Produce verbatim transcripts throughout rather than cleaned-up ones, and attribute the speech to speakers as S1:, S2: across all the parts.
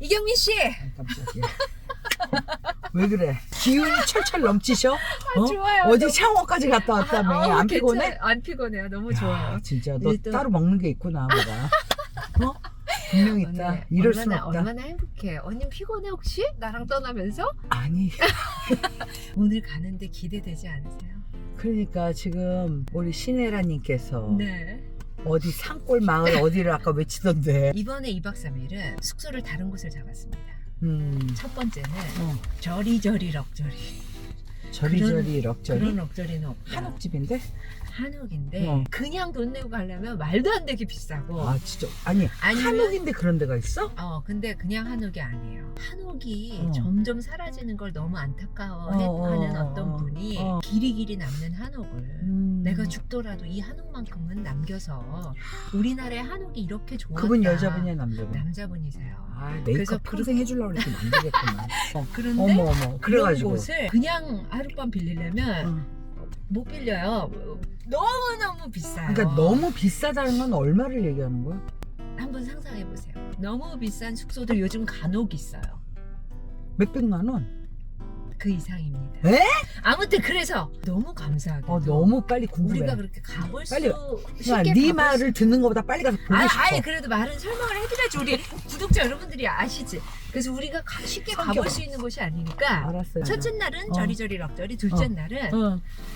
S1: 이경민 씨.
S2: 아, 깜짝이야. 왜 그래? 기운이 철철 넘치셔? 어?
S1: 좋아요.
S2: 어제
S1: 너무-
S2: 샤워까지 갔다 왔다며.
S1: 아, 어,
S2: 안 피곤해?
S1: 괜찮아요. 안 피곤해요. 너무
S2: 야,
S1: 좋아요.
S2: 진짜 너
S1: 일단-
S2: 따로 먹는 게 있구나 뭐가. 어? 분명 있다.
S1: 언니,
S2: 이럴 순
S1: 얼마나,
S2: 없다.
S1: 얼마나 행복해. 언니 피곤해 혹시? 나랑 떠나면서?
S2: 아니
S1: 오늘 가는데 기대되지 않으세요?
S2: 그러니까 지금 우리 신혜라님께서
S1: 네.
S2: 어디 산골 마을 어디를 아까 외치던데.
S1: 이번에 이박 삼일은 숙소를 다른 곳을 잡았습니다.
S2: 음.
S1: 첫 번째는
S2: 어.
S1: 저리저리 럭저리.
S2: 저리저리 럭저리.
S1: 그런 럭저리는 없다.
S2: 한옥집인데?
S1: 한옥인데
S2: 어.
S1: 그냥 돈 내고 가려면 말도 안 되게 비싸고.
S2: 아 진짜 아니
S1: 아니면-
S2: 한옥인데 그런 데가 있어?
S1: 어 근데 그냥 한옥이 아니에요. 한옥이
S2: 어.
S1: 점점 사라지는 걸 너무 안타까워하는
S2: 어, 어,
S1: 어떤
S2: 어,
S1: 분이
S2: 어.
S1: 길이길이 남는 한옥을
S2: 음.
S1: 내가 죽더라도 이 한옥만큼은 남겨서 우리나라의 한옥이 이렇게 좋았다.
S2: 그분 여자분이야 남자분?
S1: 남자분이세요.
S2: 아
S1: 그래서
S2: 메이크업 평생 해주려고 그랬더니 안 되겠구만. 어.
S1: 그런데
S2: 어머 어머
S1: 그런
S2: 그래가지고
S1: 곳을 그냥 하룻밤 빌리려면
S2: 어.
S1: 못 빌려요. 너무너무 비싸요.
S2: 그러니까 너무 비싸다는 건 얼마를 얘기하는 거야?
S1: 한번 상상해 보세요. 너무 비싼 숙소들 요즘 간혹 있어요.
S2: 몇백만 원?
S1: 그 이상입니다.
S2: 에?
S1: 아무튼 그래서 너무 감사하게
S2: 어 너무 빨리 궁금해.
S1: 우리가 그렇게 가볼
S2: 빨리
S1: 수
S2: 야,
S1: 쉽게
S2: 네
S1: 가볼
S2: 말을 듣는 것보다 빨리 가서 보고
S1: 아,
S2: 싶어.
S1: 아예 그래도 말은 설명을 해드려야지 우리 구독자 여러분들이 아시지. 그래서 우리가 가- 쉽게
S2: 성격.
S1: 가볼 수 있는 곳이 아니니까
S2: 알았어요.
S1: 첫째 날은
S2: 어.
S1: 저리저리 럭저리, 둘째
S2: 어.
S1: 날은
S2: 어.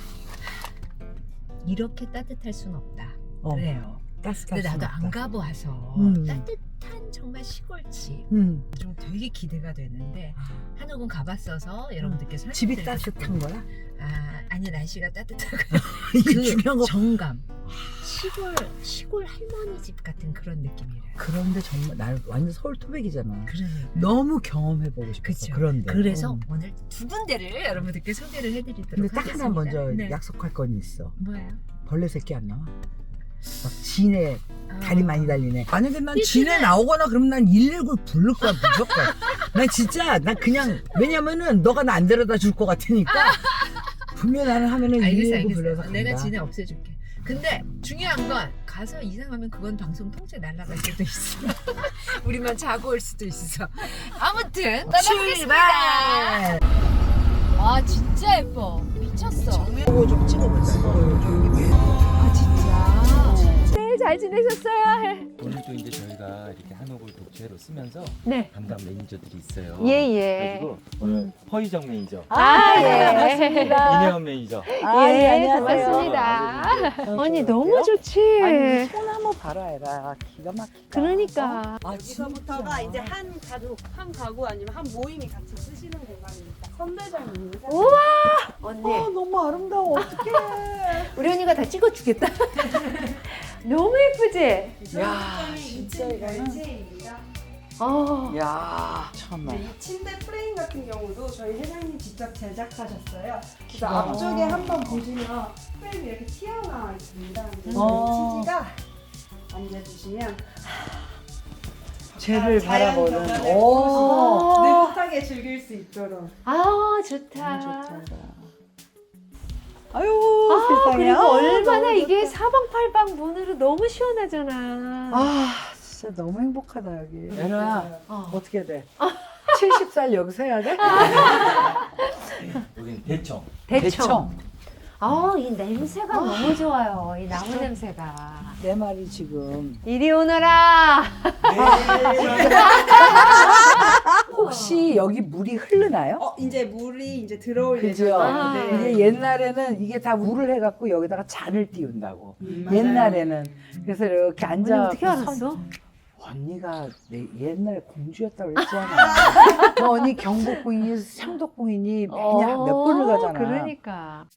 S1: 이렇게 따뜻할 순 없다.
S2: 어.
S1: 그래요.
S2: 따뜻할
S1: 근데 나도
S2: 순
S1: 안
S2: 없다.
S1: 가봐서
S2: 음.
S1: 따뜻한 정말 시골집
S2: 음.
S1: 좀 되게 기대가 되는데 한옥은 가봤어서 여러분들께 설명
S2: 집이 따뜻한 거야?
S1: 아 아니 날씨가 따뜻하고
S2: 이게
S1: 그
S2: 중요한 거.
S1: 정감 시골 시골 할머니 집 같은 그런 느낌이래요.
S2: 그런데 정말 나 완전 서울 토백이잖아.
S1: 그러니까.
S2: 너무 경험해보고 싶었어.
S1: 그쵸.
S2: 그런데.
S1: 그래서
S2: 어.
S1: 오늘 두 군데를 여러분들께 소개를 해드리도록
S2: 근데 딱
S1: 하겠습니다.
S2: 하나 먼저
S1: 네.
S2: 약속할 건 있어.
S1: 뭐예요?
S2: 벌레 새끼 안 나와? 막 진에 다리
S1: 아.
S2: 많이 달리네. 만약에 난
S1: 이
S2: 진에
S1: 진에-
S2: 나오거나 그러면 난 일일구 부를 거야 무조건. 난 진짜 난 그냥 왜냐면은 너가 나 안 데려다 줄 것 같으니까 분명 나는 하면은
S1: 알겠어
S2: 일일구
S1: 알겠어.
S2: 불러서 간다.
S1: 내가 진에 없애줄게. 근데 중요한 건 가서 이상하면 그건 방송 통째 날아갈 수도 있어. 우리만 자고 올 수도 있어. 아무튼 떠나보겠습니다.
S2: 출발!
S1: 아 진짜 예뻐. 미쳤어.
S2: 이거 좀 찍어보자.
S1: 아 진짜. 네, 잘 지내셨어요?
S3: 오늘도 이제 저희가 이렇게 한옥을 독채로 쓰면서
S1: 네.
S3: 담당 매니저들이 있어요.
S1: 예, 예.
S3: 그래가지고 오늘 허희정 매니저,
S1: 아, 예.
S3: 이내원 매니저.
S2: 아, 예,
S1: 예,
S2: 안녕하세요.
S1: 고맙습니다.
S2: 어,
S1: 언니
S2: 좋아요.
S1: 너무 좋지.
S2: 아니 손 한번 봐라 해라. 기가 막히다.
S1: 그러니까.
S2: 아,
S4: 여기서부터가
S2: 진짜.
S4: 이제 한 가족, 한 가구 아니면 한 모임이 같이 쓰시는 공간입니다. 선배장님.
S1: 우와. 언니.
S2: 어, 너무 아름다워. 어떡해.
S1: 우리 언니가 다 찍어주겠다. 너무 예쁘지?
S2: 야, 진짜 이거는.
S4: 벨체입니다.
S1: 어.
S2: 야, 참나.
S4: 이 침대 프레임 같은 경우도 저희 회장님 직접 제작하셨어요. 그래서
S2: 기가
S4: 앞쪽에 한번 보시면 프레임이 이렇게 튀어나와 있습니다. 그래서
S2: 어.
S4: 치즈가 앉아주시면
S2: 쟤를
S4: 자연
S2: 바라보는.
S4: 경관을
S2: 오.
S4: 보시고 느긋하게 즐길 수 있도록.
S1: 아, 좋다.
S2: 너무 좋다. 아유,
S1: 아,
S2: 세상에.
S1: 그리고
S2: 아,
S1: 얼마나
S2: 너무
S1: 이게
S2: 좋다.
S1: 사방팔방 문으로 너무 시원하잖아.
S2: 아, 진짜 너무 행복하다, 여기. 애나,
S1: 어.
S2: 어떻게 돼? 칠십 살 여기서 해야 돼?
S3: 여기는 대청.
S1: 대청. 아, 이 냄새가 너무 좋아요. 이 나무 냄새가.
S2: 내 말이 지금.
S1: 이리 오너라.
S2: 혹시 여기 물이 흐르나요?
S4: 어, 이제 물이 이제 들어올
S2: 그죠?
S4: 예정이에요.
S1: 아.
S4: 네.
S2: 이게 옛날에는 이게 다 물을 해갖고 여기다가 잔을 띄운다고.
S4: 음, 맞아요.
S2: 옛날에는. 그래서 이렇게
S1: 언니
S2: 앉아.
S1: 어떻게 알았어?
S2: 언니가 내 옛날에 공주였다고 그랬잖아. 너 언니 경복궁이니 상덕궁이니 매년 몇 번을 가잖아.
S1: 그러니까.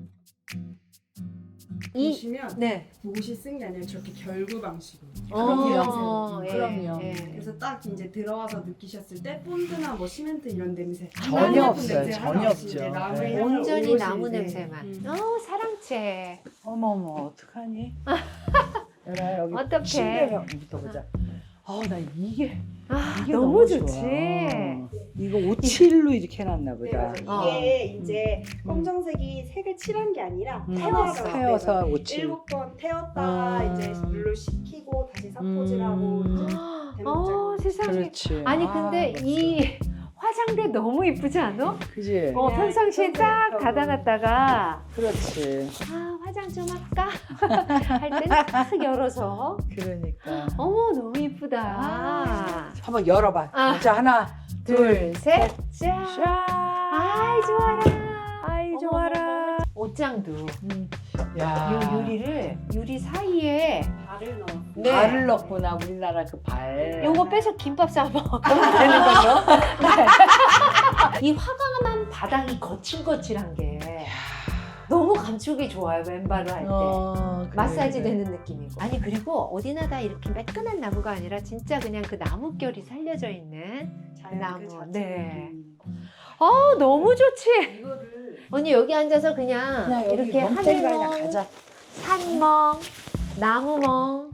S1: 이
S4: 보시면
S1: 네.
S4: 못이 쓴 게 아니라 저렇게 결구 방식으로.
S1: 어,
S4: 그럼요.
S1: 예,
S2: 그럼요.
S1: 예.
S4: 그래서 딱 이제 들어와서 느끼셨을 때 본드나 뭐 시멘트 이런 냄새
S2: 전혀
S4: 하나도
S2: 없어요.
S4: 냄새
S2: 전혀
S4: 하나 없이
S2: 없죠.
S4: 이제 나무의
S2: 네.
S4: 향을
S1: 온전히
S4: 오롯이
S1: 나무
S4: 이제,
S1: 냄새만.
S4: 음.
S1: 어, 사랑채.
S2: 어머머 어떡하니? 얘라 여기
S1: 어떡해.
S2: 침대부터 보자. 어 나 이게
S1: 아,
S2: 이게
S1: 너무,
S2: 너무
S1: 좋지.
S2: 좋아. 이거 오칠로 이렇게 해놨나
S4: 네,
S2: 보다.
S4: 맞아요.
S1: 어.
S4: 이게 이제 검정색이 색을 칠한 게 아니라
S2: 음.
S4: 태워서
S2: 태워서 오칠.
S4: 일곱 번 태웠다가
S2: 아.
S4: 이제 물로 식히고 다시 사포질하고
S1: 음. 어 세상에.
S2: 그렇지.
S1: 아니
S2: 아,
S1: 근데
S2: 맞지.
S1: 이 화장대 너무 이쁘지 않아?
S2: 그지.
S1: 어 평상시에 딱 닫아놨다가
S2: 그렇지.
S1: 아 화장 좀 할까 할 때 딱 열어서
S2: 그러니까.
S1: 어머 너무 이쁘다.
S2: 한번 열어봐.
S1: 아.
S2: 자 하나, 둘,
S1: 둘셋 짠.
S2: 짠.
S1: 아이 좋아라.
S2: 아이
S1: 어머,
S2: 좋아라.
S1: 옷장도
S2: 음.
S1: 요
S2: 야.
S1: 유리를 유리 사이에
S4: 발을 넣어.
S1: 네.
S2: 발을 넣구나 우리나라 그 발.
S1: 요거 빼서 김밥 싸 먹으면 되는 거죠? 네. 이 화강암 바닥이 거칠거칠한 게 너무 감촉이 좋아요. 맨발로 할 때.
S2: 어, 그래,
S1: 마사지
S2: 그래.
S1: 되는 느낌이고. 아니 그리고 어디나 다 이렇게 매끈한 나무가 아니라 진짜 그냥 그 나뭇결이 살려져 있는
S4: 자연
S1: 나무.
S4: 그 자체.
S1: 네.
S4: 음.
S1: 어 너무 좋지.
S4: 이거를
S1: 언니 여기 앉아서 그냥,
S2: 그냥 여기
S1: 이렇게
S2: 멍때리가 그냥
S1: 하늘멍,
S2: 가자.
S1: 산멍, 나무멍.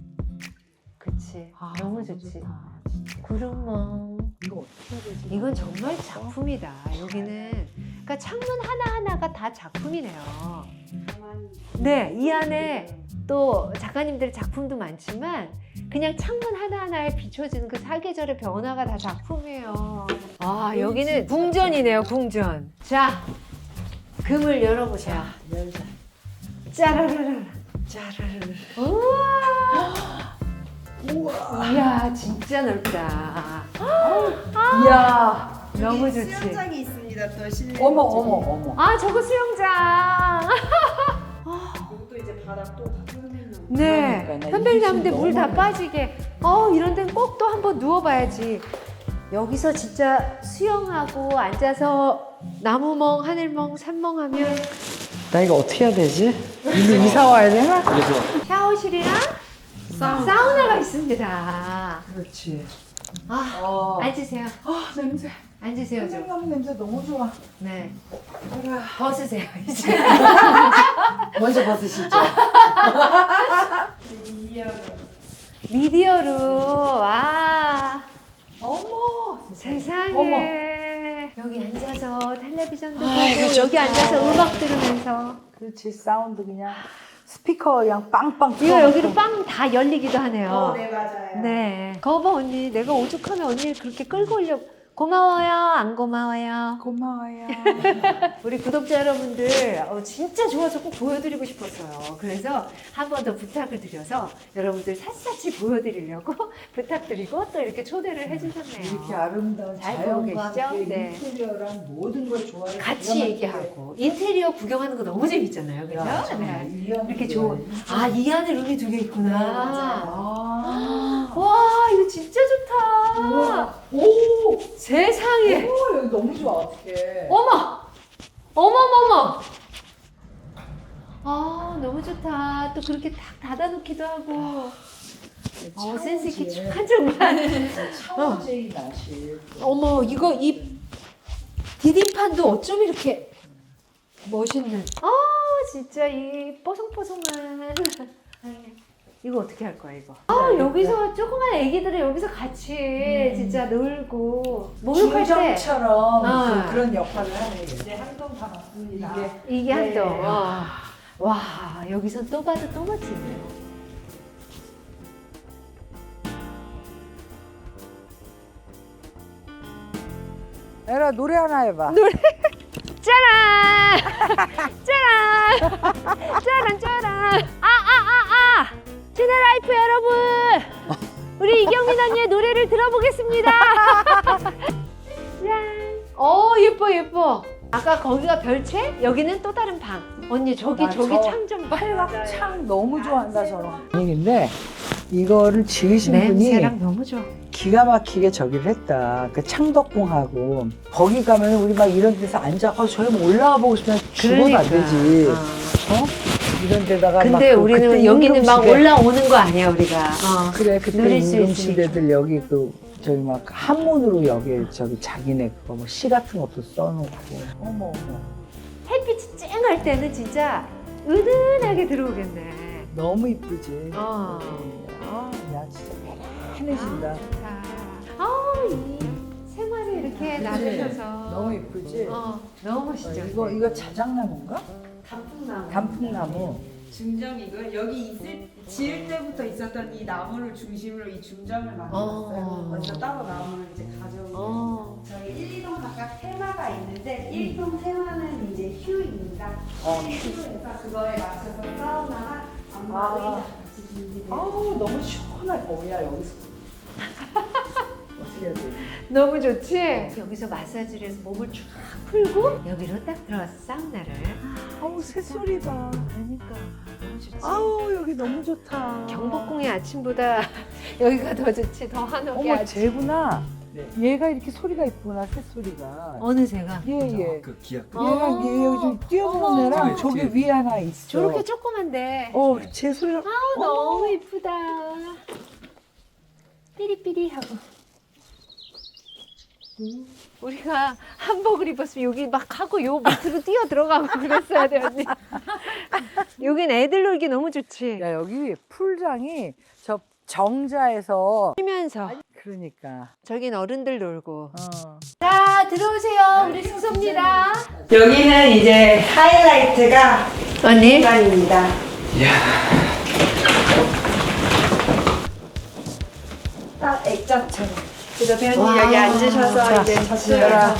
S1: 그치.
S2: 아,
S1: 너무 좋지.
S2: 좋다.
S1: 구름멍.
S2: 이거 어떻게 해야 되지?
S1: 이건 정말 작품이다. 여기는 그러니까 창문 하나 하나가 다 작품이네요.
S4: 가만히
S1: 네, 이 안에 또 작가님들 작품도 많지만 그냥 창문 하나 하나에 비춰지는 그 사계절의 변화가 다 작품이에요. 아 여기는 궁전이네요, 궁전. 자, 금을 열어보세요.
S2: 열자.
S1: 짜라라라.
S2: 짜르르.
S1: 우와.
S2: 우와.
S1: 이야, 진짜 넓다.
S2: 이야.
S1: 너무
S4: 여기
S1: 좋지.
S4: 수영장이 있습니다. 또 실내.
S2: 어머 어머 어머.
S1: 아, 저거 수영장.
S4: 이것도 이제 바닥도 다 뚫는.
S1: 네.
S2: 그러니까 나
S1: 편백이
S2: 이게
S1: 나는데
S2: 지금
S1: 물 다
S2: 너무
S1: 빠지게. 어, 이런 데는 꼭 또 한번 누워봐야지. 여기서 진짜 수영하고 앉아서 나무멍, 하늘멍, 산멍하면
S2: 나 이거 어떻게 해야 되지? 이거 이사 와야 되나?
S3: 그래서
S1: 샤워실이랑 사우나. 가 있습니다.
S2: 그렇지.
S1: 아,
S2: 어.
S1: 앉으세요.
S2: 아 냄새.
S1: 앉으세요, 좀.
S2: 생강 냄새 너무 좋아.
S1: 네.
S2: 그래.
S1: 벗으세요, 이제.
S2: 먼저 벗으시죠.
S1: 미디어로, 와.
S2: 어머.
S1: 세상에.
S2: 어머.
S1: 여기 앉아서 텔레비전도 보고,
S2: 아이고,
S1: 여기
S2: 좋다.
S1: 앉아서 음악 들으면서.
S2: 그렇지 사운드 그냥 스피커 그냥 빵빵.
S1: 이거
S2: 틀어놓고.
S1: 여기로 빵 다 열리기도 하네요.
S4: 어, 네 맞아요.
S1: 네. 거봐, 언니. 내가 오죽하면 언니를 그렇게 끌고 오려고. 고마워요? 안 고마워요?
S2: 고마워요.
S1: 우리 구독자 여러분들 어, 진짜 좋아서 꼭 보여드리고 싶었어요. 그래서 한 번 더 부탁을 드려서 여러분들 샅샅이 보여드리려고 부탁드리고 또 이렇게 초대를 해주셨네요.
S2: 이렇게 아름다운
S1: 잘
S2: 자연과
S1: 보고 계시죠?
S2: 함께
S1: 네.
S2: 인테리어랑 모든 걸 좋아해.
S1: 같이 얘기하고 인테리어 구경하는 거 너무 재밌잖아요. 그죠? 네. 이렇게 좋은. 아, 이 안에 룸이 두 개 있구나.
S4: 네, 맞아요.
S2: 아.
S1: 와, 이거 진짜 좋다.
S2: 우와. 오.
S1: 세상에.
S2: 오 여기 너무 좋아 어떡해.
S1: 어머! 어머머머! 아, 너무 좋다. 또 그렇게 딱 닫아놓기도 하고. 어, 센스 있게 참 정말.
S2: 차오제이 나실.
S1: 어머, 이거 이 디딤판도 어쩜 이렇게 멋있는. 아, 진짜 이 뽀송뽀송한. 이거 어떻게 할 거야, 이거? 아, 여기서 조그만 애기들은 여기서 같이 진짜 놀고. 목욕할 때.
S2: 중정처럼
S1: 아.
S2: 그, 그런 역할을 하네.
S4: 이제 한동 다 왔습니다.
S2: 이게
S1: 이게
S2: 네.
S1: 한동. 와, 와, 여기서 또 봐도 또 멋지네요.
S2: 에라 노래 하나 해봐.
S1: 짜란! 짜란! 짜란, 짜란! 아, 아, 아, 아! 제네라이프 여러분! 우리 이경민 언니의 노래를 들어보겠습니다! 짠! 어, 예뻐, 예뻐. 아까 거기가 별채? 여기는 또 다른 방. 언니, 저기,
S2: 나
S1: 저기
S2: 저
S1: 창 좀 봐.
S2: 창 너무 좋아한다 저런. 아니 근데 이거를 지으신
S1: 냄새랑
S2: 분이
S1: 너무 좋아.
S2: 기가 막히게 저기를 했다. 그 창덕궁하고 거기 가면 우리 막 이런 데서 앉아. 어, 저기 뭐 올라가 보고 싶으면 죽어도 안 되지. 어? 이런 데다가 막
S1: 근데
S2: 그
S1: 우리는
S2: 그때
S1: 여기는 막
S2: 임금시대-
S1: 올라오는 거 아니야, 우리가. 어.
S2: 그래 그때
S1: 누릴 수
S2: 임금시대들 여기 그 저기 막 한문으로 여기 저기 자기네 그거 뭐 시 같은 것도 써놓고. 어머 어머.
S1: 햇빛이 쨍할 때는 진짜 은은하게 들어오겠네.
S2: 너무 이쁘지.
S1: 어.
S2: 아, 야 진짜 편해진다.
S1: 아, 아, 이 생활을 이렇게 나누셔서
S2: 너무 이쁘지.
S1: 어, 너무
S2: 어,
S1: 멋있죠.
S2: 이거 이거 자작나무인가?
S4: 단풍나무.
S2: 단풍나무.
S4: 중정이고요. 여기 있을 지을 때부터 있었던 이 나무를 중심으로 이 중정을 만들었어요.
S1: 어.
S4: 먼저 따로 나무를 이제 가져오고
S1: 어.
S4: 저희 일, 이 동 각각 테마가 있는데 일 동 테마는 이제 휴입니다.
S2: 어.
S4: 휴에서 그거에 맞춰서 사우나랑 안마
S2: 아.
S4: 의자 같이 준비돼요.
S2: 아우 너무 시원하게 뭐야 여기서 어떻게 해야 돼?
S1: 너무 좋지? 여기서 마사지를 해서 몸을 쫙 풀고 여기로 딱 들어와서 사우나를.
S2: 아우 새소리 봐.
S1: 그러니까 너무 좋지.
S2: 아우 여기 너무 좋다.
S1: 경복궁의 아침보다 여기가 더 좋지. 더 한옥의
S2: 어머
S1: 아침.
S2: 쟤구나.
S3: 네.
S2: 얘가 이렇게 소리가 있구나 새소리가.
S1: 어느 새가?
S2: 예예.
S3: 그 기약.
S2: 얘랑 얘 여기 좀 뛰어보는 애랑
S3: 어머.
S2: 저기 위에 하나 있어.
S1: 저렇게 조그만데.
S2: 어, 제 소리가
S1: 아우 너무 이쁘다. 삐리삐리하고. 음, 우리가 한복을 입었으면 여기 막 하고 요 밑으로 뛰어 들어가고 그랬어야 돼 언니. 여긴 애들 놀기 너무 좋지.
S2: 야 여기 풀장이 저 정자에서
S1: 쉬면서
S2: 그러니까
S1: 저긴 어른들 놀고.
S2: 어.
S1: 자 들어오세요. 우리 숙소입니다.
S4: 여기는 이제 하이라이트가
S1: 언니.
S4: 공간입니다. 딱 액자처럼. 그래서 배우님
S1: 와,
S4: 여기 앉으셔서 이제 저쪽에서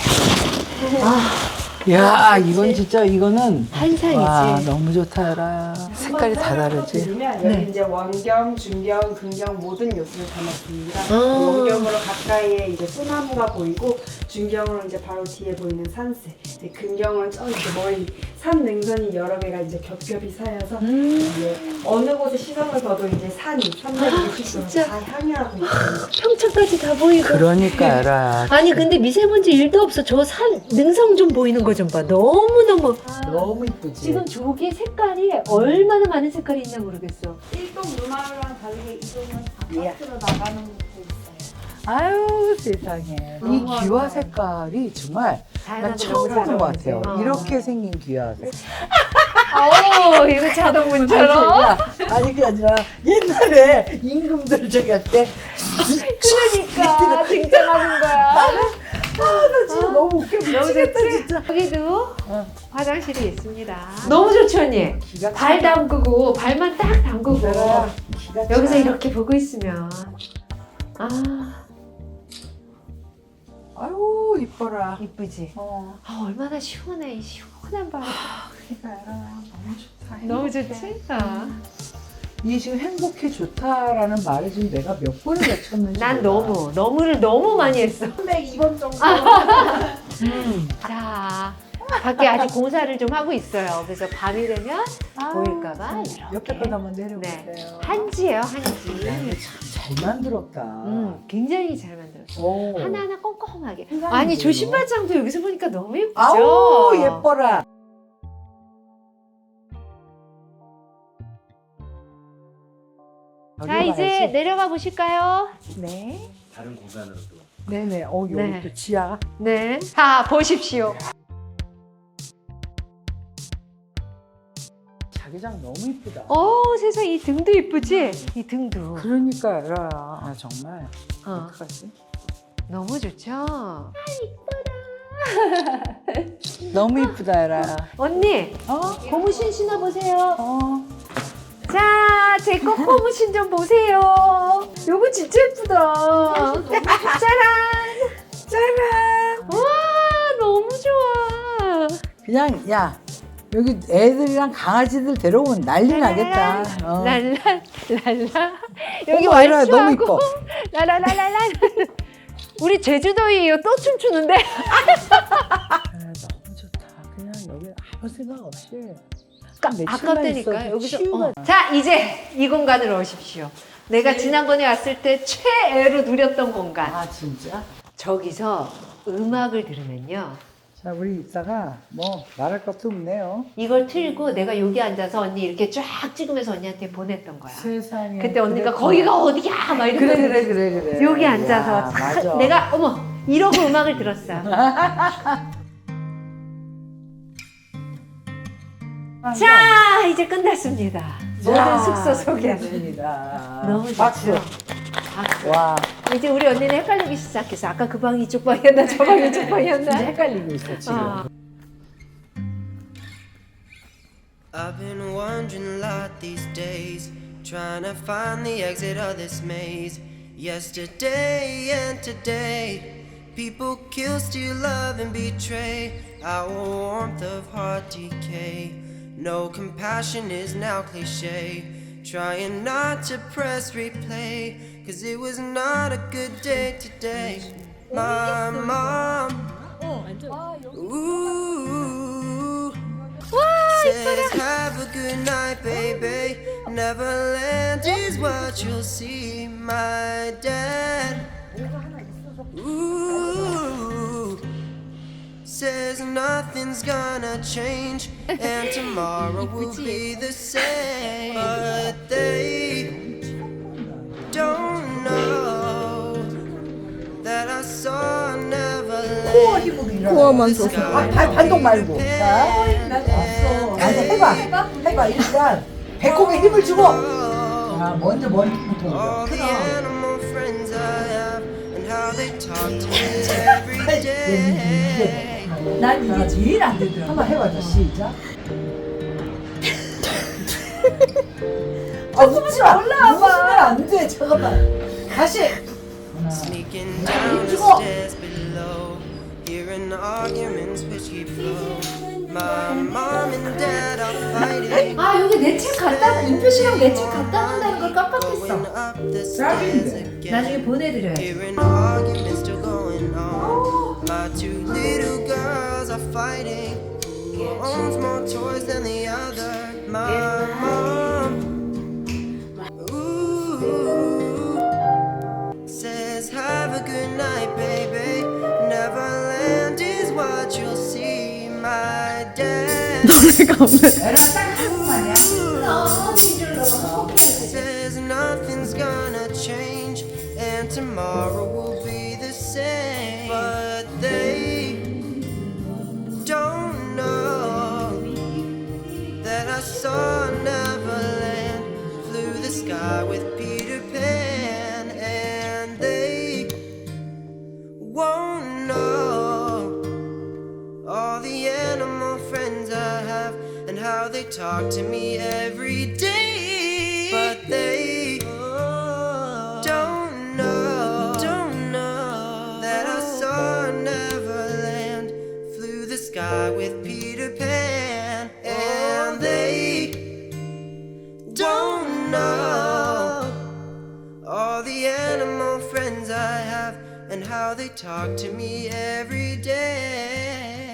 S2: 야 이건 진짜 이거는
S1: 환상이지.
S2: 와 너무 좋다 라 색깔이 다 다르지.
S4: 드리면 여기 이제 원경, 중경, 근경 모든 요소를 담았습니다.
S1: 아.
S4: 원경으로 가까이에 이제 소나무가 보이고 중경으로 이제 바로 뒤에 보이는 산세, 이제 근경으로 저 이제 멀리 산 능선이 여러 개가 이제 겹겹이 쌓여서
S1: 음.
S4: 이제 어느 곳에 시선을 둬도 이제 산이 삼백육십 도
S1: 진짜.
S4: 다 향유하고 있습니다.
S1: 평창까지 다 보이고.
S2: 그러니까 알아.
S1: 아니 근데 미세먼지 일도 없어. 저 산 능성 좀 보이는 거 좀 봐. 너무 너무.
S2: 너무 이쁘지.
S1: 지금 저게 색깔이 얼마나 많은 색깔이 있나 모르겠어.
S4: 일동 루마르랑 다르게 이동은 바깥으로 나가는 곳도 있어요.
S2: 아유 세상에 이
S1: 너무
S2: 귀화
S1: 아름다워.
S2: 색깔이 정말 난
S1: 다양하고
S2: 처음
S1: 너무
S2: 보는 것 같아요.
S1: 어.
S2: 이렇게 생긴 귀화 색깔.
S1: 오 이거 자동문처럼.
S2: 아니, 그게- 아니 그게 아니라 옛날에 임금들 저기 할 때
S1: 그러니까 등장하는 거야.
S2: 나 진짜 너무 웃겨
S1: 너무
S2: 미치겠다
S1: 좋지?
S2: 진짜.
S1: 여기도
S2: 어.
S1: 화장실이 있습니다. 너무 좋지 언니.
S2: 기가
S1: 발 담그고 발만 딱 담그고
S2: 차다. 기가
S1: 여기서
S2: 차.
S1: 이렇게 보고 있으면 아
S2: 아유 이뻐라.
S1: 이쁘지.
S2: 어.
S1: 아 얼마나 시원해 이 시원한 바람.
S2: 그러니까 너무 좋다.
S1: 너무
S2: 행복해.
S1: 좋지? 어.
S2: 이 지금 행복해 좋다라는 말을 지금 내가 몇 번을 외쳤는지
S1: 난
S2: 몰라.
S1: 너무 너무를 너무 많이 했어.
S4: 삼백이 번 정도.
S2: 음.
S1: 자 밖에 아직 공사를 좀 하고 있어요. 그래서 밤이 되면
S2: 아,
S1: 보일까봐
S2: 참,
S1: 이렇게.
S2: 옆에 건 한번
S1: 네
S2: 내려보세요.
S1: 한지예요 한지.
S2: 야, 이거 참 잘 만들었다.
S1: 음 굉장히 잘 만들었어.
S2: 오.
S1: 하나하나 꼼꼼하게.
S2: 세상에,
S1: 아니 저
S2: 이거.
S1: 신발장도 여기서 보니까 너무 예쁘죠?
S2: 아우 예뻐라.
S1: 자 이제 내려가 보실까요?
S2: 네.
S3: 다른 공간으로 또.
S2: 네네. 어 여기
S1: 네.
S2: 또 지하.
S1: 네. 자 보십시오.
S2: 자기장 너무 이쁘다.
S1: 어 세상 이 등도 이쁘지? 이 등도.
S2: 그러니까 알아. 아 정말.
S1: 어,
S2: 어떡하지?
S1: 너무 좋죠?
S2: 너무 이쁘다 알아.
S1: 언니
S2: 어?
S1: 고무신 신어보세요.
S2: 어.
S1: 자, 제 거 고무신 좀 보세요. 요거 진짜 예쁘다. 짜란! 짜란! 와, 너무 좋아.
S2: 그냥 야 여기 애들이랑 강아지들 데려오면 난리 나겠다. 어.
S1: 랄라, 랄라. 여기
S2: 어머, 얘들아, 너무
S1: 왈츠하고
S2: 이뻐.
S1: 라라라라라. 우리 제주도예요. 또 춤추는데?
S2: 아, 너무 좋다. 그냥 여기 아무 생각 없이. 며칠만
S1: 아깝다니까
S2: 있어도
S1: 여기서.
S2: 치유가-
S1: 어. 자, 이제 이 공간으로 오십시오. 내가 지난번에 왔을 때 최애로 누렸던 공간.
S2: 아 진짜?
S1: 저기서 음악을 들으면요.
S2: 자 우리 이따가 뭐 말할 것도 없네요.
S1: 이걸 틀고 내가 여기 앉아서 언니 이렇게 쫙 찍으면서 언니한테 보냈던 거야.
S2: 세상에.
S1: 그때 언니가
S2: 그랬구나.
S1: 거기가 어디야? 막 이러고.
S2: 그래 그래 그래 그래.
S1: 여기
S2: 야,
S1: 앉아서 탁
S2: 맞아.
S1: 내가 어머 이러고 음악을 들었어. 자 이제 끝났습니다. 모든 숙소 소개는
S2: 소개했습니다.
S1: 너무 좋죠.
S2: 박수.
S1: 박수.
S2: 와
S1: 이제 우리 언니는 헷갈리기 시작했어. 아까 그 방이 이쪽 방이었나 저 방이 이쪽 방이었나?
S2: 진짜 헷갈리고 있어 지금.
S1: 어.
S5: I've been wondering a lot these days, trying to find the exit of this maze. Yesterday and today, people kill, steal, love, and betray. Our warmth of heart decay. No compassion is now cliche. Trying not to press replay, cause it was not a good day today. My mom, ooh, says have a good night, baby. Neverland is what you'll see. My dad, ooh, says nothing's gonna change and tomorrow will be the same. But they don't know that I saw Neverland.
S2: 코어 힘으로 일어나.
S6: 코어만 써서.
S2: 아, 발, 반동 말고. 자, 자, 이제 해봐. 해봐. 일단 배꼽에 힘을 주고. 자, 먼저 머리부터 올려.
S5: All the animal friends I have and how they talk to me every day.
S1: 난 이게 제일 안 되더라.
S2: 한번 해봐줘. 시작. 아, 웃지 마. 웃으면 안 돼. 잠깐만. 다시. 하나.
S5: Sneaking down the
S2: 힘주고.
S5: stairs below, hearing arguments which keep flow. My mom and dad are fighting,
S1: 아 여기 내 책 갖다 인표시랑 내 책 갖다 놓는다는 걸
S5: going
S1: 깜빡했어.
S5: up the stairs again.
S1: 나중에 보내드려야지.
S5: Hearing arguments still going on. My two little girls are fighting. Who owns more toys than the other? My mom, ooh, says have a good night, baby. Neverland is what you'll see. My dad, says nothing's gonna change and tomorrow will be the same. But they don't know that I saw Neverland, flew the sky with Peter Pan, and they won't know all the animal friends I have and how they talk to me every day. But they don't know, don't know that I saw Neverland, flew the sky with Peter Pan, and they don't know all the animal friends I have and how they talk to me every day.